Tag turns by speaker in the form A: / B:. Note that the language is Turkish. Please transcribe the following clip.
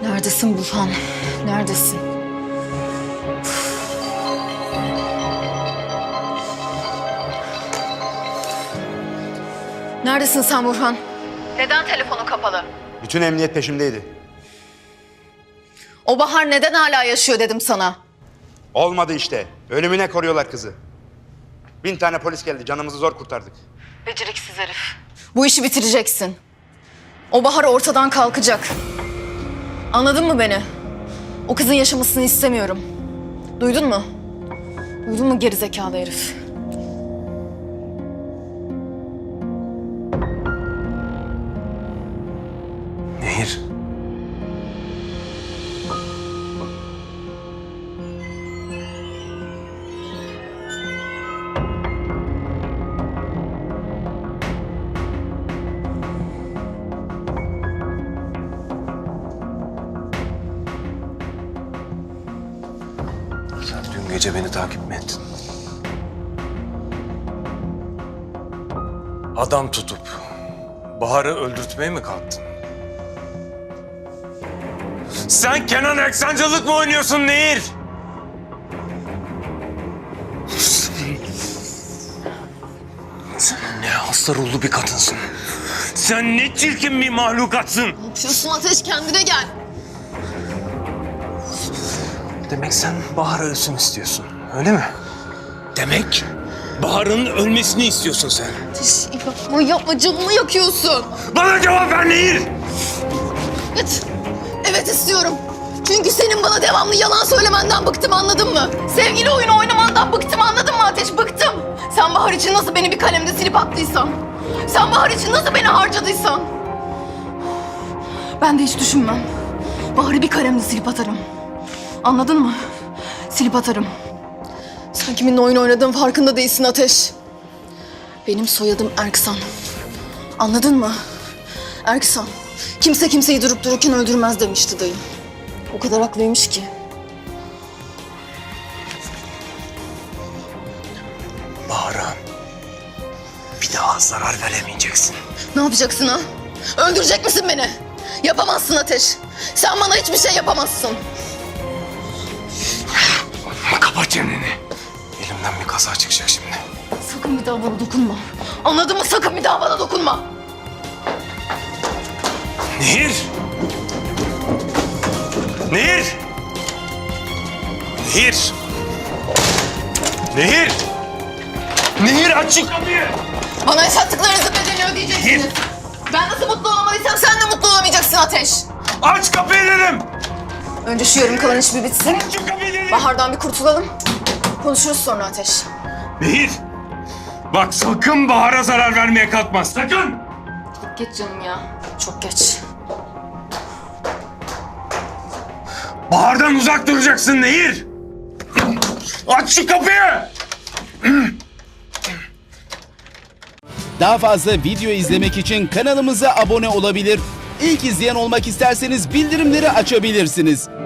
A: Neredesin Burhan? Neredesin? Neredesin sen Burhan? Neden telefonu kapalı?
B: Bütün emniyet peşimdeydi.
A: O Bahar neden hala yaşıyor dedim sana.
B: Olmadı işte. Ölümüne koruyorlar kızı. 1000 tane polis geldi. Canımızı zor kurtardık.
A: Beceriksiz herif. Bu işi bitireceksin. O Bahar ortadan kalkacak. Anladın mı beni? O kızın yaşamasını istemiyorum. Duydun mu? Duydun mu gerizekalı herif?
C: Nehir. Sen dün gece beni takip mi ettin? Adam tutup Bahar'ı öldürtmeye mi kalktın? Sen Kenan Eksancılık mı oynuyorsun Nehir? Sen ne hasta ruhlu bir kadınsın. Sen ne çirkin bir mahlukatsın.
A: Ne yapıyorsun Ateş? Kendine gel.
C: Demek sen Bahar ölsün istiyorsun, öyle mi? Demek Bahar'ın ölmesini istiyorsun sen.
A: Ateş yapma canımı yakıyorsun.
C: Bana cevap ver Nehir!
A: Evet. Evet istiyorum. Çünkü senin bana devamlı yalan söylemenden bıktım, anladın mı? Sevgili oyunu oynamandan bıktım, anladın mı Ateş? Bıktım. Sen Bahar için nasıl beni bir kalemde silip attıysan, sen Bahar için nasıl beni harcadıysan, ben de hiç düşünmem. Bahar'ı bir kalemde silip atarım. Anladın mı? Silip atarım. Sen kiminle oyun oynadığın farkında değilsin Ateş. Benim soyadım Erksan. Anladın mı? Erksan. Kimse kimseyi durup dururken öldürmez demişti dayım. O kadar haklıymış ki.
C: Bahar'a bir daha zarar veremeyeceksin.
A: Ne yapacaksın ha? Öldürecek misin beni? Yapamazsın Ateş. Sen bana hiçbir şey yapamazsın.
C: Kapat çeneni. Elimden bir kaza çıkacak şimdi.
A: Sakın bir daha bana dokunma. Anladın mı? Sakın bir daha bana dokunma.
C: Nehir! Nehir! Nehir! Nehir! Nehir aç şu kapıyı!
A: Bana yaşattıklarınızın bedelini ödeyeceksiniz. Ben nasıl mutlu olamadıysam sen de mutlu olamayacaksın Ateş.
C: Aç kapıyı dedim!
A: Önce şu yarım kalan iş bir bitsin.
C: Aç şu kapıyı dedim!
A: Bahar'dan bir kurtulalım. Konuşuruz sonra Ateş.
C: Nehir! Bak sakın Bahar'a zarar vermeye kalkma, sakın!
A: Çok geç canım ya. Çok geç.
C: Bahar'dan uzak duracaksın Nehir! Aç şu kapıyı!
D: Daha fazla video izlemek için kanalımıza abone olabilir. İlk izleyen olmak isterseniz bildirimleri açabilirsiniz.